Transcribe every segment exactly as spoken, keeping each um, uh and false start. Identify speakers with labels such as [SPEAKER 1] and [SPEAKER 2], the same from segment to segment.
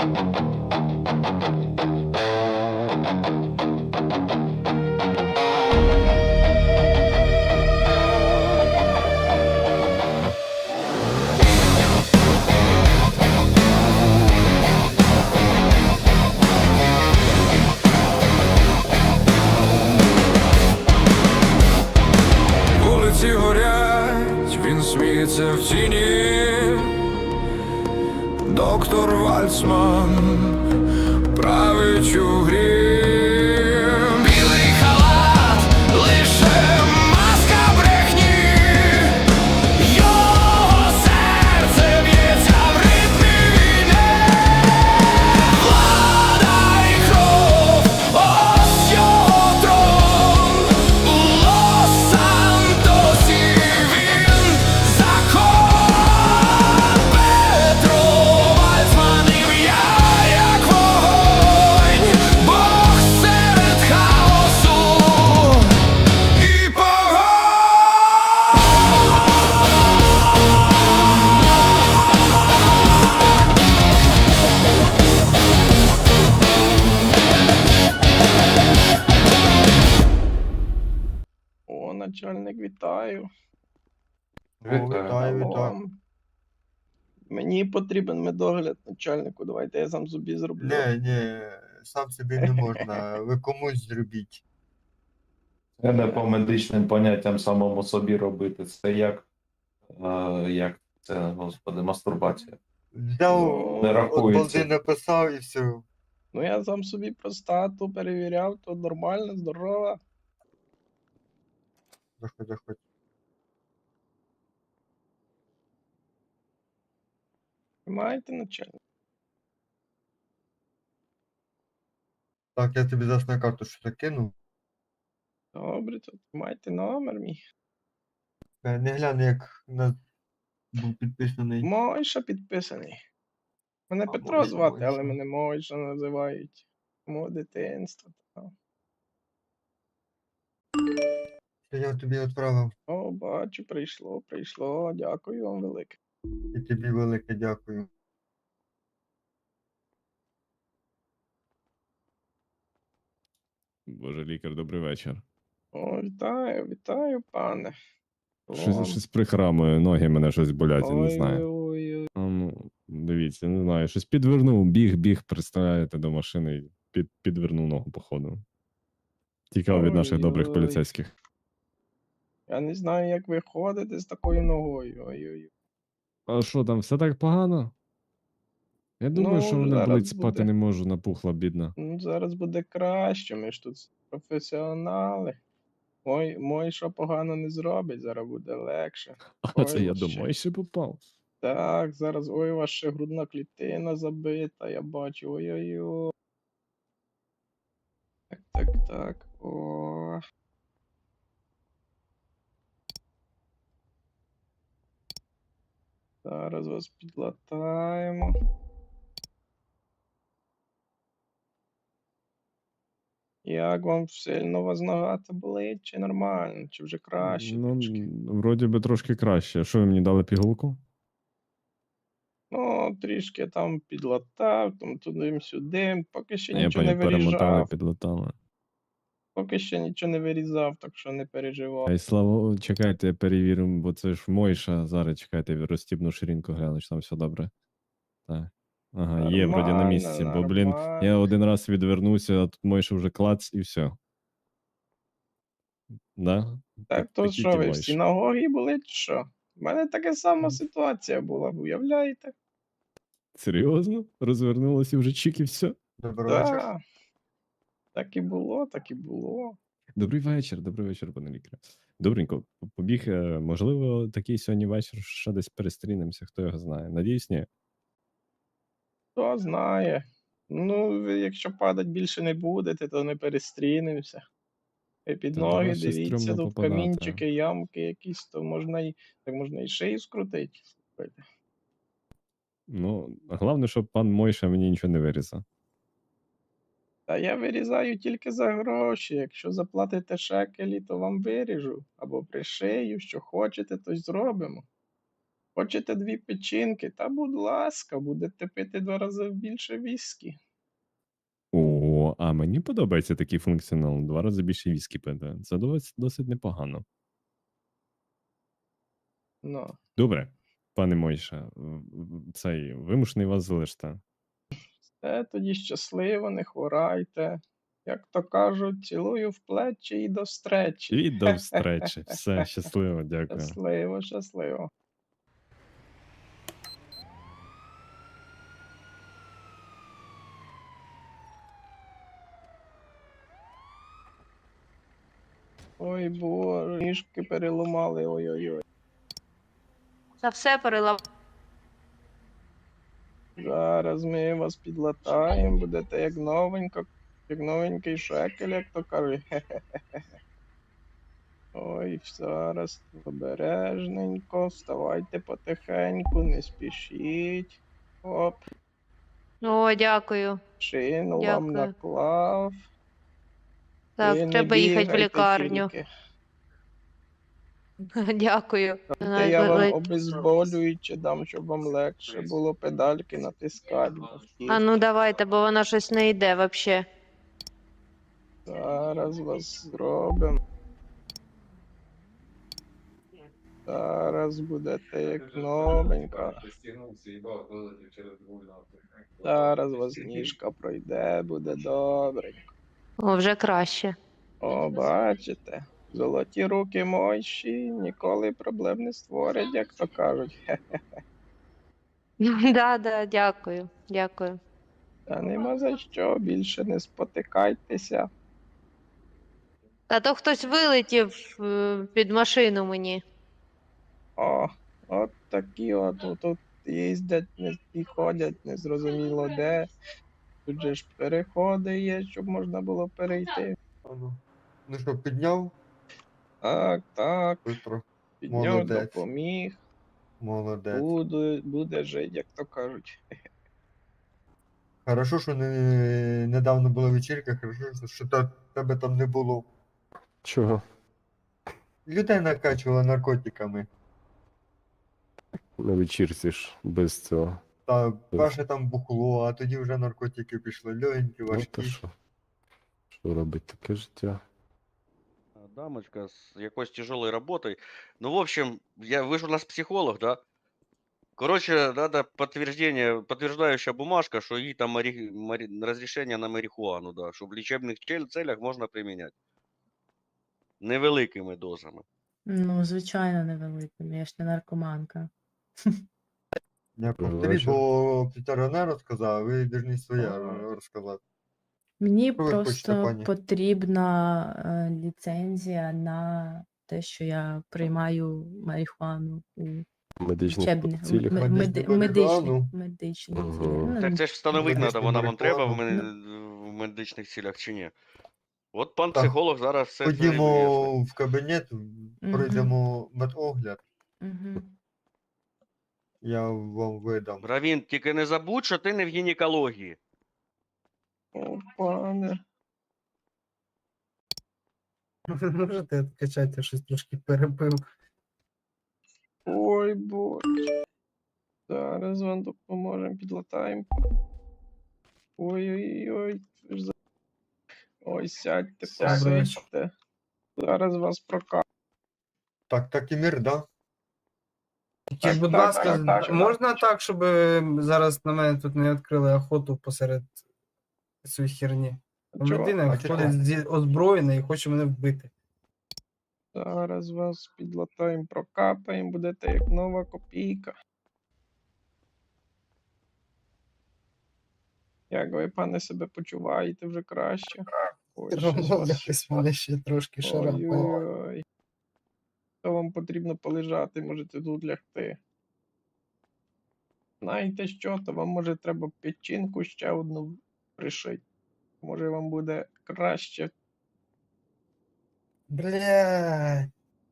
[SPEAKER 1] Вулиці горять, він сміється в тіні. Доктор Вальцман править у грі. Білий халат, лише маска брехні. Його серце б'ється в ритмі війни. Влада і кров, ось його трон. У Лос-Сантосі він закон. Петро Вальцман, ім'я як вогонь. Бог серед хаосу і погонь.
[SPEAKER 2] О, начальник, вітаю.
[SPEAKER 3] О, вітаю, вітаю.
[SPEAKER 2] Алло. Мені потрібен медогляд, начальнику. Давайте я сам собі зроблю.
[SPEAKER 3] Не, ні, сам собі не можна, ви комусь зробіть.
[SPEAKER 4] Це не по медичним поняттям самому собі робити. Це як, е, як це, господи, мастурбація.
[SPEAKER 3] Взяв,
[SPEAKER 4] Не
[SPEAKER 3] от
[SPEAKER 4] рахується.
[SPEAKER 3] балди написав і все.
[SPEAKER 2] Ну я сам собі простату перевіряв, то нормально, здорова.
[SPEAKER 3] Заходь, заходь.
[SPEAKER 2] Маєте, начальник?
[SPEAKER 3] Так, я тобі зараз на карту що закину.
[SPEAKER 2] Добре, то майте номер мій.
[SPEAKER 3] Е, Не гляну, як на був підписаний.
[SPEAKER 2] Мойша підписаний. Мене
[SPEAKER 3] А,
[SPEAKER 2] Петро
[SPEAKER 3] Мойша,
[SPEAKER 2] звати, але
[SPEAKER 3] Мойша.
[SPEAKER 2] мене Мойша називають. Мого дитинства. та.
[SPEAKER 3] Що я тобі відправив.
[SPEAKER 2] О, бачу, прийшло, прийшло. Дякую вам велике.
[SPEAKER 3] І тобі велике дякую.
[SPEAKER 5] Боже, лікар, добрий вечір.
[SPEAKER 2] О, вітаю, вітаю, пане.
[SPEAKER 5] Щось,
[SPEAKER 2] О,
[SPEAKER 5] щось прихрамує, ноги мене щось болять, я не знаю.
[SPEAKER 2] Ой-ой-ой.
[SPEAKER 5] А, ну, дивіться, не знаю, щось підвернув, біг, біг, представляєте, до машини і під, підвернув ногу, походу. Тікав від наших добрих
[SPEAKER 2] Ой-ой.
[SPEAKER 5] поліцейських.
[SPEAKER 2] Я не знаю, як ви ходите з такою ногою. Ой-ой.
[SPEAKER 5] А що там, все так погано? Я думаю,
[SPEAKER 2] Ну,
[SPEAKER 5] що мене
[SPEAKER 2] зараз
[SPEAKER 5] болить, спати
[SPEAKER 2] буде.
[SPEAKER 5] не можу, напухла, бідна.
[SPEAKER 2] Ну, зараз буде краще, ми ж тут професіонали. Мой, мой що погано не зробить, зараз буде легше.
[SPEAKER 5] А
[SPEAKER 2] Ой,
[SPEAKER 5] це я
[SPEAKER 2] вообще.
[SPEAKER 5] домой ще попав.
[SPEAKER 2] Так, зараз, ой, у вас ще грудна клітина забита, я бачу, ой-ой-ой. Так, так, так, о. Зараз вас підлатаємо. Як вам сильно у вас нога та болить, чи нормально, чи вже краще
[SPEAKER 5] Ну,
[SPEAKER 2] трошки?
[SPEAKER 5] м, вроді би трошки краще. Що ви мені дали пігулку?
[SPEAKER 2] Ну, трішки там підлатав, там туди-сюди, поки ще
[SPEAKER 5] Я
[SPEAKER 2] нічого не
[SPEAKER 5] поняв, перемотали,
[SPEAKER 2] виріжав,
[SPEAKER 5] підлатали.
[SPEAKER 2] поки ще нічого не вирізав, так що не переживай.
[SPEAKER 5] Ай, слава, чекайте, я перевірю, бо це ж Мойша. Зараз чекайте, розстібну ширинку, гляну, чи там все добре. Так. Ага, є вроді на
[SPEAKER 2] Нормально,
[SPEAKER 5] місці, бо, блін, я
[SPEAKER 2] нормально.
[SPEAKER 5] один раз відвернувся, а тут Мойша вже клац і все. Да?
[SPEAKER 2] Так то
[SPEAKER 5] такі
[SPEAKER 2] що
[SPEAKER 5] ті
[SPEAKER 2] ви,
[SPEAKER 5] Мойші.
[SPEAKER 2] всі ноги болить, чи що? У мене така сама ситуація була, уявляєте?
[SPEAKER 5] Серйозно? Розвернулося вже чик і все.
[SPEAKER 3] Добрий вечір.
[SPEAKER 2] Так. Так і було, так і було.
[SPEAKER 5] Добрий вечір, добрий вечір, пане лікарю. Добренько, п- побіг, е, можливо, такий сьогодні вечір ще десь перестрінемося, хто його знає. Надіюсь, ні.
[SPEAKER 2] Хто знає. Ну, ви якщо падать більше не будете, то не перестрінемося. І під
[SPEAKER 5] Та
[SPEAKER 2] ноги
[SPEAKER 5] до вас ще
[SPEAKER 2] дивіться,
[SPEAKER 5] стрьомно
[SPEAKER 2] тут
[SPEAKER 5] попадати.
[SPEAKER 2] камінчики, ямки якісь, то можна і, так можна і шию скрутити. Слухайте.
[SPEAKER 5] Ну, головне, щоб пан Мойша мені нічого не вирізав.
[SPEAKER 2] Та я вирізаю тільки за гроші. Якщо заплатите шекелі, то вам виріжу. Або пришию, що хочете, то й зробимо. Хочете дві печінки? Та будь ласка, будете пити два рази більше віскі.
[SPEAKER 5] О, а мені подобається такий функціонал. Два рази більше віскі пити. Це досить, досить непогано.
[SPEAKER 2] Ну,
[SPEAKER 5] Добре, пане Мойша, в- в- цей вимушений вас залишити.
[SPEAKER 2] все тоді щасливо, не хворайте. Як то кажуть, цілую в плечі і до встречі.
[SPEAKER 5] І до встречі. Все, щасливо, дякую.
[SPEAKER 2] Щасливо, щасливо. Ой, боже, ніжки переламали, ой-ой-ой.
[SPEAKER 6] Та все перелав.
[SPEAKER 2] Зараз ми вас підлатаємо, будете як новенько, як новенький шекель, як то кажуть. Хе-хе-хе. Ой, зараз обережненько, вставайте потихеньку, не спішіть. Оп,
[SPEAKER 6] О, дякую.
[SPEAKER 2] шину вам
[SPEAKER 6] Дякую.
[SPEAKER 2] наклав.
[SPEAKER 6] Так,
[SPEAKER 2] Ви не
[SPEAKER 6] треба їхати в
[SPEAKER 2] бігайте
[SPEAKER 6] лікарню.
[SPEAKER 2] тільки.
[SPEAKER 6] Дякую.
[SPEAKER 2] Та я
[SPEAKER 6] Ле-
[SPEAKER 2] вам
[SPEAKER 6] ле-
[SPEAKER 2] обезболююче дам, щоб вам легше було педальки натискати.
[SPEAKER 6] А ну давайте, бо вона щось не йде вообще.
[SPEAKER 2] Зараз вас зробимо. Зараз будете як новенька. Зараз вас ніжка пройде, буде добре.
[SPEAKER 6] О, вже краще.
[SPEAKER 2] О, бачите, золоті руки мойші ніколи проблем не створять, як то кажуть. Хе.
[SPEAKER 6] Да, да, дякую. Дякую.
[SPEAKER 2] Та нема за що, більше не спотикайтеся.
[SPEAKER 6] А то хтось вилетів е, під машину мені.
[SPEAKER 2] О, от такі от от тут їздять не, і ходять, незрозуміло де. Тут же ж переходи є, щоб можна було перейти.
[SPEAKER 3] А ну. Ну що, підняв?
[SPEAKER 2] Так, так,
[SPEAKER 3] Бистро.
[SPEAKER 2] підняв,
[SPEAKER 3] Молодець.
[SPEAKER 2] допоміг,
[SPEAKER 3] Молодець.
[SPEAKER 2] буде, буде жити, як то кажуть.
[SPEAKER 3] Хорошо, що не, недавно була вечірка, хорошо, що та, тебе там не було.
[SPEAKER 7] Чого?
[SPEAKER 3] Людей накачували наркотиками.
[SPEAKER 7] На вечірці ж без цього.
[SPEAKER 3] Та перше там бухло, а тоді вже наркотики пішли. Легенькі,
[SPEAKER 7] Ну, то
[SPEAKER 3] важкі.
[SPEAKER 7] що? Що робить таке життя?
[SPEAKER 8] Дамочка с якоюсь тяжелой работой. Ну, в общем, я, вы же у нас психолог, да? Короче, надо подтверждение, подтверждающая бумажка, что ей там мари- мари- разрешение на марихуану, да, что в лечебных чел- целях можно применять. Невеликими дозами.
[SPEAKER 9] Ну, звичайно, невеликими, я ж не наркоманка.
[SPEAKER 3] Не повторіть,
[SPEAKER 7] Бачу.
[SPEAKER 3] бо Пітера не розказав, ви повинні своє розказати.
[SPEAKER 9] Мені
[SPEAKER 3] Що ви хочете,
[SPEAKER 9] просто
[SPEAKER 3] пані?
[SPEAKER 9] потрібна е, ліцензія на те, що я приймаю марихуану у
[SPEAKER 7] Медичних
[SPEAKER 9] лічебних
[SPEAKER 7] цілях.
[SPEAKER 9] м- меди-
[SPEAKER 3] Медичну
[SPEAKER 9] медичних
[SPEAKER 3] марихуану?
[SPEAKER 9] медичних
[SPEAKER 7] Ага.
[SPEAKER 9] цілях. Ну,
[SPEAKER 8] Так це ж встановити
[SPEAKER 3] Медичну
[SPEAKER 8] треба, вона вам треба в,
[SPEAKER 3] марихуану.
[SPEAKER 8] мен- в медичних цілях чи ні? От пан
[SPEAKER 3] Так.
[SPEAKER 8] психолог зараз все це і вияснить.
[SPEAKER 3] Ходімо в кабінет, пройдемо медогляд,
[SPEAKER 9] Мгм.
[SPEAKER 3] я вам видам.
[SPEAKER 8] Равін, тільки не забудь, що ти не в гінекології.
[SPEAKER 2] О, пане.
[SPEAKER 10] Ви можете відкачати, я щось трошки перепив.
[SPEAKER 2] Ой, боже. Зараз вам допоможемо, підлатаємо. Ой-ой-ой. ви ж за- Ой, сядьте,
[SPEAKER 10] Добре.
[SPEAKER 2] посидьте. Зараз вас прокажуть.
[SPEAKER 3] Так, так і мір, да?
[SPEAKER 10] Тільки,
[SPEAKER 2] Так,
[SPEAKER 10] будь
[SPEAKER 2] так,
[SPEAKER 10] ласка,
[SPEAKER 2] так, так.
[SPEAKER 10] можна так, щоб е, зараз на мене тут не відкрили охоту посеред цієї херні? Там
[SPEAKER 2] Чого?
[SPEAKER 10] людина
[SPEAKER 3] А чого?
[SPEAKER 10] ходить зі озброєна і хоче мене вбити.
[SPEAKER 2] Зараз вас підлатаємо, прокапаємо, будете як нова копійка. Як ви, пане, себе почуваєте вже краще? Ой, щось
[SPEAKER 10] Ну,
[SPEAKER 2] вас-
[SPEAKER 10] якось мене ще трошки шарапає.
[SPEAKER 2] Ой-ой-ой. То вам потрібно полежати, можете тут лягти. Знаєте що, то вам може треба печінку ще одну пришити. Може вам буде краще.
[SPEAKER 10] Блядь.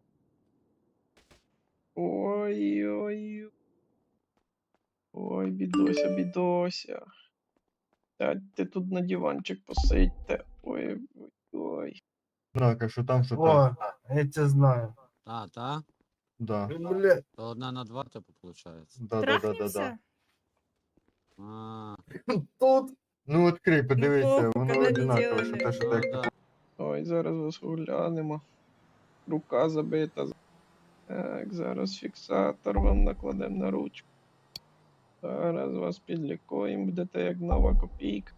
[SPEAKER 2] Ой-ой. Ой, бідося, бідося. Сядьте тут на диванчик, посидьте. Ой-ой-ой.
[SPEAKER 3] Так, а що там, що там?
[SPEAKER 10] О, я це знаю.
[SPEAKER 11] Та, та.
[SPEAKER 3] Да.
[SPEAKER 10] Бля.
[SPEAKER 11] То одна на два, типу, виходить.
[SPEAKER 3] Да, да, да, да, да.
[SPEAKER 11] А,
[SPEAKER 10] Тут.
[SPEAKER 3] Ну, відкрий, подивися,
[SPEAKER 9] похуй,
[SPEAKER 3] воно
[SPEAKER 9] каналізований.
[SPEAKER 3] одинакове, що те, що
[SPEAKER 11] ну,
[SPEAKER 3] так.
[SPEAKER 11] да.
[SPEAKER 2] Ой, зараз вас оглянемо. Рука забита. Так, зараз фіксатор вам накладемо на ручку. Зараз вас підлікуємо, будете як нова копійка.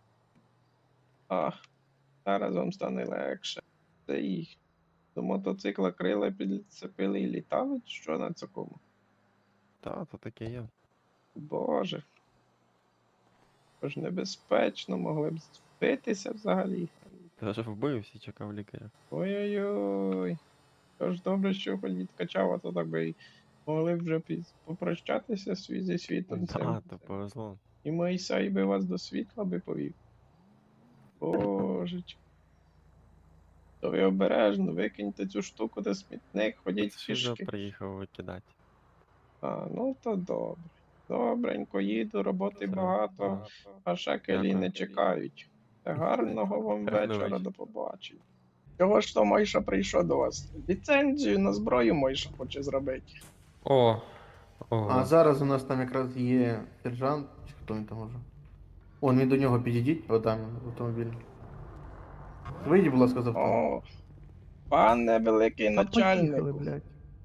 [SPEAKER 2] А, зараз вам стане легше. Це їх. До мотоцикла крила підцепили і літали, чи що на цьому?
[SPEAKER 7] Та, то таке є.
[SPEAKER 2] Боже. Це ж небезпечно, могли б збитися взагалі.
[SPEAKER 7] Ти вже вбився, чекав лікаря.
[SPEAKER 2] Ой-ой-ой. Тож добре, що хоч відкачав, а то так би й могли б вже піз- попрощатися свій зі світом цим.
[SPEAKER 7] Та, то повезло.
[SPEAKER 2] І Мойсей би вас до світла би повів. Божечки. То ви обережно, викиньте цю штуку до смітник, ходіть
[SPEAKER 7] Що вже
[SPEAKER 2] пішки.
[SPEAKER 7] приїхав викидати.
[SPEAKER 2] А, ну то добре. Добренько їду, роботи
[SPEAKER 7] Все,
[SPEAKER 2] багато, а шекелі
[SPEAKER 7] Дякую.
[SPEAKER 2] не чекають. Та гарного вам
[SPEAKER 7] Гарного
[SPEAKER 2] вечора,
[SPEAKER 7] вечора.
[SPEAKER 2] до побачення. Чого ж то Мойша прийшов до вас? Ліцензію на зброю Мойша хоче зробити.
[SPEAKER 3] О. А
[SPEAKER 7] Ого.
[SPEAKER 3] зараз у нас там якраз є сержант, чи хто він там може. О, він до нього підійдіть, отам він, в автомобіль. Вийдіть, будь ласка, з авто.
[SPEAKER 2] О, пане великий
[SPEAKER 3] Та поїхали,
[SPEAKER 2] начальнику,
[SPEAKER 3] блядь.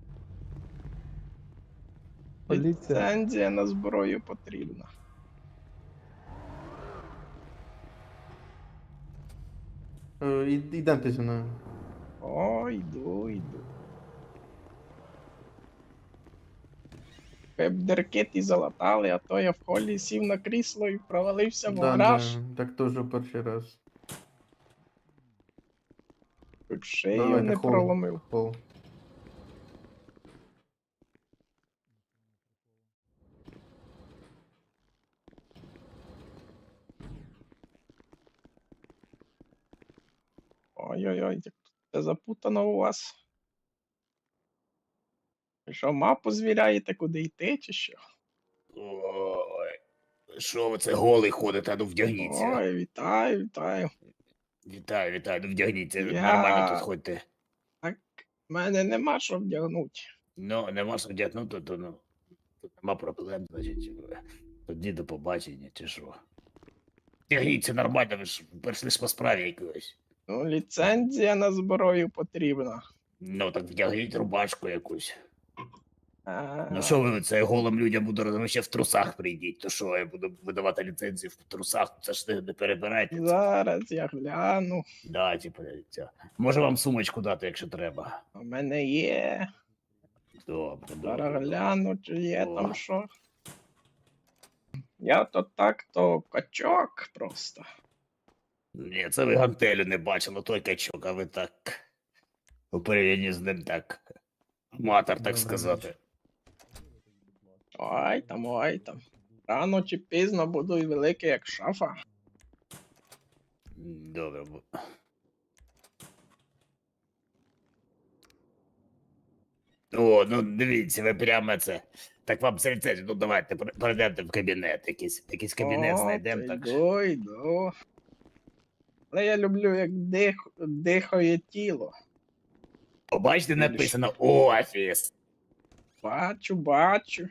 [SPEAKER 2] ліцензія на зброю потрібна.
[SPEAKER 3] Е, і- Ідемте зі мною.
[SPEAKER 2] О, йду, йду. Ви б деркит і залатали, а то я в холі сів на крісло і провалився в
[SPEAKER 3] Да,
[SPEAKER 2] гараж.
[SPEAKER 3] да, так теж перший раз.
[SPEAKER 2] Чуть шию
[SPEAKER 3] Давайте,
[SPEAKER 2] не
[SPEAKER 3] хол.
[SPEAKER 2] проломив.
[SPEAKER 3] Пол.
[SPEAKER 2] Ой-ой-ой, як тут все запутано у вас. Ви що, мапу звіряєте, куди йти, чи що?
[SPEAKER 1] Ой, що ви це голий ходите, ну вдягніться.
[SPEAKER 2] Ой, вітаю, вітаю.
[SPEAKER 1] Вітаю, вітаю, ну вдягніться,
[SPEAKER 2] Я-
[SPEAKER 1] нормально тут ходьте.
[SPEAKER 2] Так, в мене нема що вдягнути.
[SPEAKER 1] Ну, нема що вдягнути, то ну. Тут нема проблем, значить. Тоді до побачення, чи що. Вдягніться нормально, ви ж прийшли ж по справі якоїсь.
[SPEAKER 2] Ну, ліцензія на зброю потрібна.
[SPEAKER 1] Ну, так вдягніть рубашку якусь.
[SPEAKER 2] А,
[SPEAKER 1] Ну що ви це голим людям буду робити, ви ще в трусах прийдіть, то що я буду видавати ліцензію в трусах, це ж не, не перебирайте. Це.
[SPEAKER 2] Зараз я гляну.
[SPEAKER 1] Да, типу, це. Може вам сумочку дати, якщо треба.
[SPEAKER 2] У мене є.
[SPEAKER 1] Добре,
[SPEAKER 2] Зараз
[SPEAKER 1] добре.
[SPEAKER 2] гляну, чи є
[SPEAKER 1] О.
[SPEAKER 2] там що. Я то так, то качок просто.
[SPEAKER 1] Ні, це ви гантелю не бачили, той качок, а ви так. У порівнянні з ним так. Аматор, так
[SPEAKER 3] Добре,
[SPEAKER 1] сказати.
[SPEAKER 2] Ой там, ой там. Рано чи пізно буду і великий, як шафа.
[SPEAKER 1] Добре. бу- О, ну дивіться, ви прямо це. Так вам це ліцензію, ну давайте пер- перейдемте в кабінет, якийсь, якийсь кабінет
[SPEAKER 2] О,
[SPEAKER 1] знайдемо.
[SPEAKER 2] та
[SPEAKER 1] Так.
[SPEAKER 2] Йду, йду. Але я люблю, як дих... дихає тіло.
[SPEAKER 1] Побачите, написано офіс.
[SPEAKER 2] Бачу, бачу.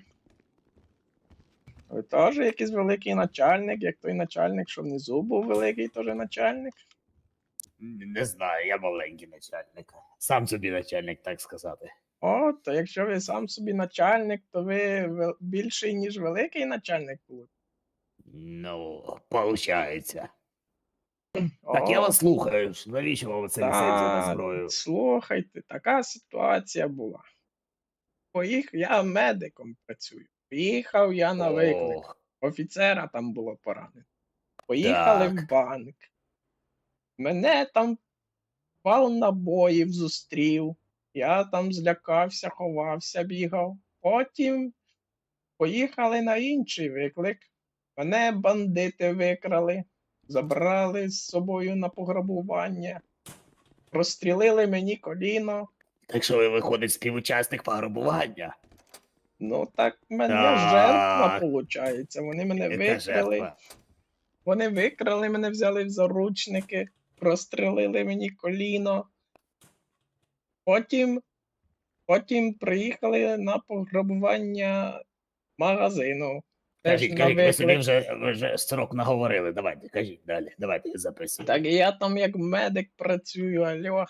[SPEAKER 2] Ви теж якийсь великий начальник, як той начальник, що внизу був великий теж начальник.
[SPEAKER 1] Не знаю, я маленький начальник. Сам собі начальник, так сказати.
[SPEAKER 2] О, то якщо ви сам собі начальник, то ви вел- більший, ніж великий начальник був.
[SPEAKER 1] Ну, получається. Так, я вас слухаю. ж. Навіщо вам це ліцензія на зброю?
[SPEAKER 2] Слухайте, така ситуація була. Поїхав, я медиком працюю. Поїхав я на виклик.
[SPEAKER 1] Ох,
[SPEAKER 2] Офіцера там було поранено. Поїхали в
[SPEAKER 1] Так.
[SPEAKER 2] банк. Мене там вал набоїв зустрів. Я там злякався, ховався, бігав. Потім поїхали на інший виклик. Мене бандити викрали, забрали з собою на пограбування, розстрілили мені коліно.
[SPEAKER 1] Так що ви виходить співучасник пограбування?
[SPEAKER 2] Ну так в мене
[SPEAKER 1] Так.
[SPEAKER 2] жертва, виходить. Вони мене
[SPEAKER 1] Яка
[SPEAKER 2] викрали.
[SPEAKER 1] жертва?
[SPEAKER 2] Вони викрали мене, взяли в заручники, прострелили мені коліно. Потім Потім приїхали на пограбування магазину. Теж
[SPEAKER 1] Кажіть,
[SPEAKER 2] на
[SPEAKER 1] кажіть, ви собі
[SPEAKER 2] виклик.
[SPEAKER 1] вже, ви вже строк наговорили. Давайте, кажіть далі. Давайте я записую.
[SPEAKER 2] Так я там як медик працюю, алло.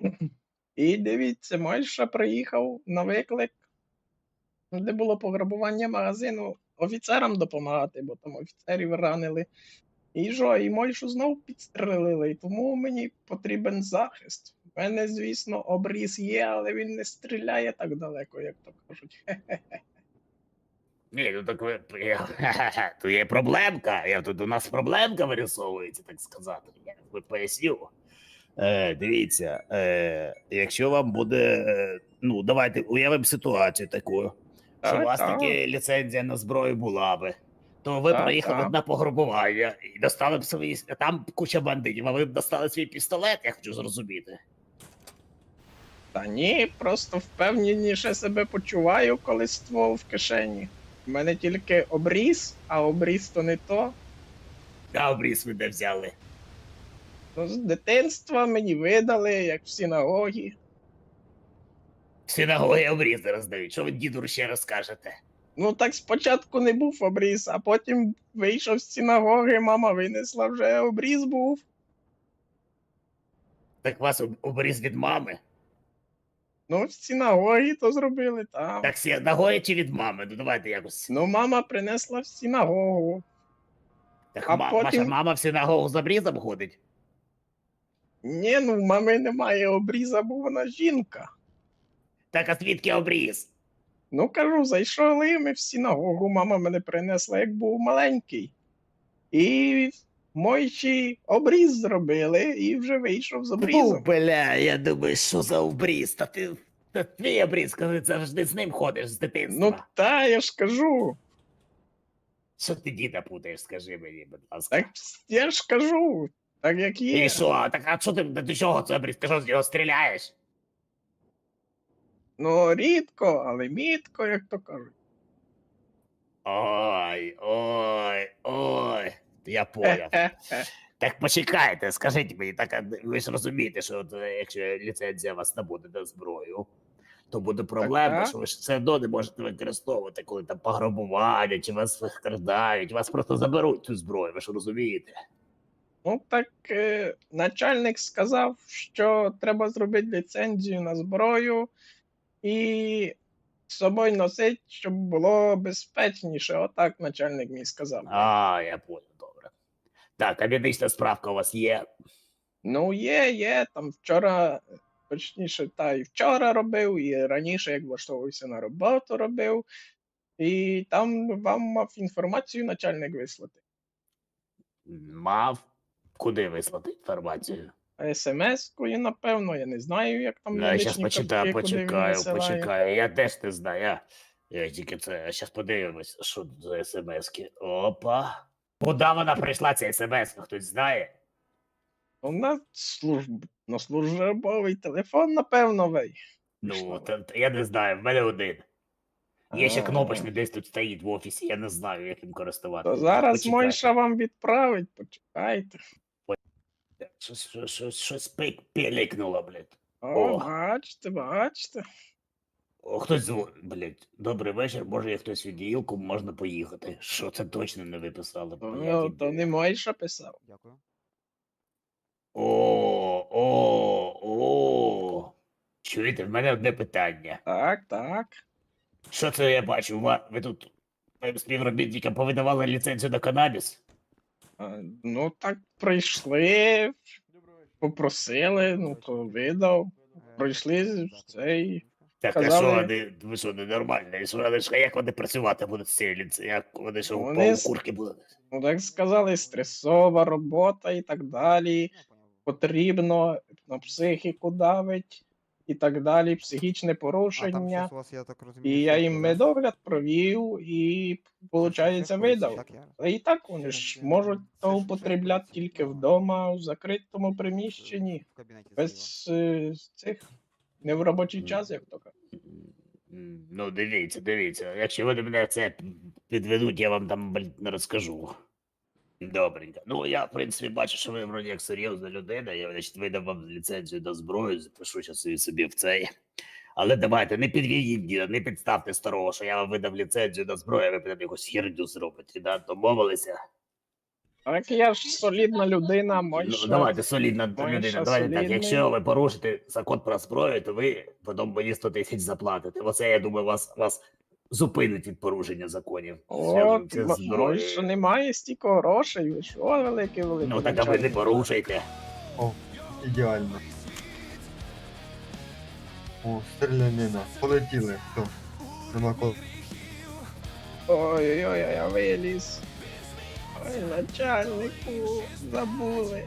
[SPEAKER 2] І дивіться, Мойша приїхав на виклик, де було пограбування магазину, офіцерам допомагати, бо там офіцерів ранили. І що, і Мойшу знов підстрелили, і тому мені потрібен захист. У мене, звісно, обріз є, але він не стріляє так далеко, як то кажуть.
[SPEAKER 1] Ні, ну так ви. Ха-ха-ха, тут є проблемка. Я тут у нас проблемка вирисовується, так сказати. Я ви поясню. Е, дивіться, е, якщо вам буде. Е, ну, давайте уявимо ситуацію таку, що
[SPEAKER 2] Так,
[SPEAKER 1] у вас
[SPEAKER 2] так.
[SPEAKER 1] таки ліцензія на зброю була би. То ви
[SPEAKER 2] Так,
[SPEAKER 1] приїхали
[SPEAKER 2] так.
[SPEAKER 1] на пограбування і достали б свої. Там куча бандитів, а ви б достали свій пістолет, я хочу зрозуміти.
[SPEAKER 2] Та ні, просто впевненіше себе почуваю, коли ствол в кишені. У мене тільки обріз, а обріз то не то.
[SPEAKER 1] А обріз ви де взяли?
[SPEAKER 2] Ну, з дитинства мені видали, як в синагогі.
[SPEAKER 1] В синагогі обрізи роздають. Що ви діду ще розкажете?
[SPEAKER 2] Ну так спочатку не був обріз, а потім вийшов з синагоги, мама винесла, вже обріз був.
[SPEAKER 1] Так у вас об- обріз від мами?
[SPEAKER 2] Ну, в синагогі то зробили там.
[SPEAKER 1] Так синагогі чи від мами? Ну давайте якось.
[SPEAKER 2] Ну, мама принесла в синагогу.
[SPEAKER 1] Так
[SPEAKER 2] а
[SPEAKER 1] ма-
[SPEAKER 2] потім-
[SPEAKER 1] ваша мама в синагогу з обрізом ходить?
[SPEAKER 2] Ні, ну в мами немає обріза, бо вона жінка.
[SPEAKER 1] Так а звідки обріз?
[SPEAKER 2] Ну, кажу, зайшли ми в синагогу, мама мене принесла, як був маленький. І мойчі обріз зробили, і вже вийшов з
[SPEAKER 1] Фу,
[SPEAKER 2] обрізом.
[SPEAKER 1] бля, я думаю, що за обріз? Та ти та твій обріз, коли завжди з ним ходиш з дитинства.
[SPEAKER 2] Ну, та, я ж кажу.
[SPEAKER 1] Що ти діда путаєш, скажи мені, будь ласка.
[SPEAKER 2] Так я ж кажу, так як є.
[SPEAKER 1] І що? Так а що ти до чого це обріз? Ти що з нього стріляєш?
[SPEAKER 2] Ну, рідко, але мітко, як то кажуть.
[SPEAKER 1] Ой, ой, ой. Я поняв.
[SPEAKER 2] Хе-хе-хе.
[SPEAKER 1] Так почекайте, скажіть мені, так а ви ж розумієте, що от, е, якщо ліцензія у вас не буде на зброю, то буде проблема,
[SPEAKER 2] так.
[SPEAKER 1] що ви ж все одно не можете використовувати, коли там пограбування, чи вас викрадають, вас просто заберуть цю зброю, ви ж розумієте?
[SPEAKER 2] Ну, так е, начальник сказав, що треба зробити ліцензію на зброю і з собою носити, щоб було безпечніше. Отак начальник мій сказав.
[SPEAKER 1] А, я понял, добре. Так, а медична справка у вас є?
[SPEAKER 2] Ну, є, є. Там вчора, точніше, та і вчора робив, і раніше, як влаштовувався на роботу, робив. І там вам мав інформацію начальник вислати.
[SPEAKER 1] Мав. Куди вислати інформацію?
[SPEAKER 2] ес-ем-ескою, напевно, я не знаю, як там
[SPEAKER 1] Ну, я зараз
[SPEAKER 2] медичні
[SPEAKER 1] почитаю,
[SPEAKER 2] картки, куди він
[SPEAKER 1] почекаю,
[SPEAKER 2] висилає.
[SPEAKER 1] почекаю. Я теж не знаю. Я, я тільки це. Зараз подивимось, що тут за смски. Опа. Куди вона прийшла, ця смс? Хтось знає?
[SPEAKER 2] Ну, на служб... на службовий телефон, напевно, вей.
[SPEAKER 1] Ну,
[SPEAKER 2] Пішло.
[SPEAKER 1] та, та я не знаю, в мене один. Є ще
[SPEAKER 2] А.
[SPEAKER 1] кнопочний десь тут стоїть в офісі, я не знаю, як їм користуватися.
[SPEAKER 2] То зараз
[SPEAKER 1] Почекайте.
[SPEAKER 2] Мойша вам відправить, почекайте.
[SPEAKER 1] Щось, щось, щось, щось пик- пиликнуло, блядь.
[SPEAKER 2] О,
[SPEAKER 1] О.
[SPEAKER 2] бачите, бачите.
[SPEAKER 1] О, хтось дзвонить, блядь. Добрий вечір, може є хтось від Ділку, можна поїхати. Що це точно не ви писали?
[SPEAKER 2] То,
[SPEAKER 1] блядь,
[SPEAKER 2] то не Мойша писав.
[SPEAKER 11] Дякую.
[SPEAKER 1] О, о, о. Чуєте, в мене одне питання.
[SPEAKER 2] Так, так.
[SPEAKER 1] Що це я бачу? Ва- Ви тут моїм співробітникам повидавали ліцензію на канабіс?
[SPEAKER 2] А, ну, так прийшли, попросили, ну, то видав. Пройшли в цей.
[SPEAKER 1] Так, а
[SPEAKER 2] Казали-
[SPEAKER 1] що вони, ви що, ненормальні? Що вони ж, як вони працювати будуть з цією ліцензією? Як вони що,
[SPEAKER 2] Вони
[SPEAKER 1] по
[SPEAKER 2] с-
[SPEAKER 1] курки будуть?
[SPEAKER 2] Ну, так сказали, стресова робота і так далі. Потрібно на психіку давить і так далі, психічне порушення. І я їм медогляд провів і, виходить, видав. А і так вони ж можуть то употребляти тільки вдома, в закритому приміщенні, без е, цих, не в робочий час, як то кажуть.
[SPEAKER 1] М, Ну, дивіться, дивіться. Якщо вони мене це підведуть, я вам там блін, не розкажу. Добренько. Ну, я, в принципі, бачу, що ви вроді як серйозна людина. Я, значить, видав вам ліцензію на зброю, запишу зараз її собі в цей. Але давайте, не підведіть діда, не підставте старого, що я вам видав ліцензію на зброю, а ви прям якусь херню зробите, да? Домовилися?
[SPEAKER 2] Так я ж солідна людина,
[SPEAKER 1] Ну,
[SPEAKER 2] Мойша.
[SPEAKER 1] давайте, солідна
[SPEAKER 2] Мойша
[SPEAKER 1] людина, давайте так,
[SPEAKER 2] солідний.
[SPEAKER 1] якщо ви порушите закон про зброю, то ви потім мені сто тисяч заплатите. Оце, я думаю, вас, вас зупинить від порушення законів.
[SPEAKER 2] О,
[SPEAKER 1] Зв'язується з
[SPEAKER 2] М-
[SPEAKER 1] зброєю.
[SPEAKER 2] Мойша немає стільки грошей, ви що, великий великий.
[SPEAKER 1] Ну, так а ви не порушуйте.
[SPEAKER 12] О, ідеально. О, стрілянина. Полетіли. Все. Нема кого.
[SPEAKER 2] Ой-ой-ой, я виліз. Ой, начальнику, забули.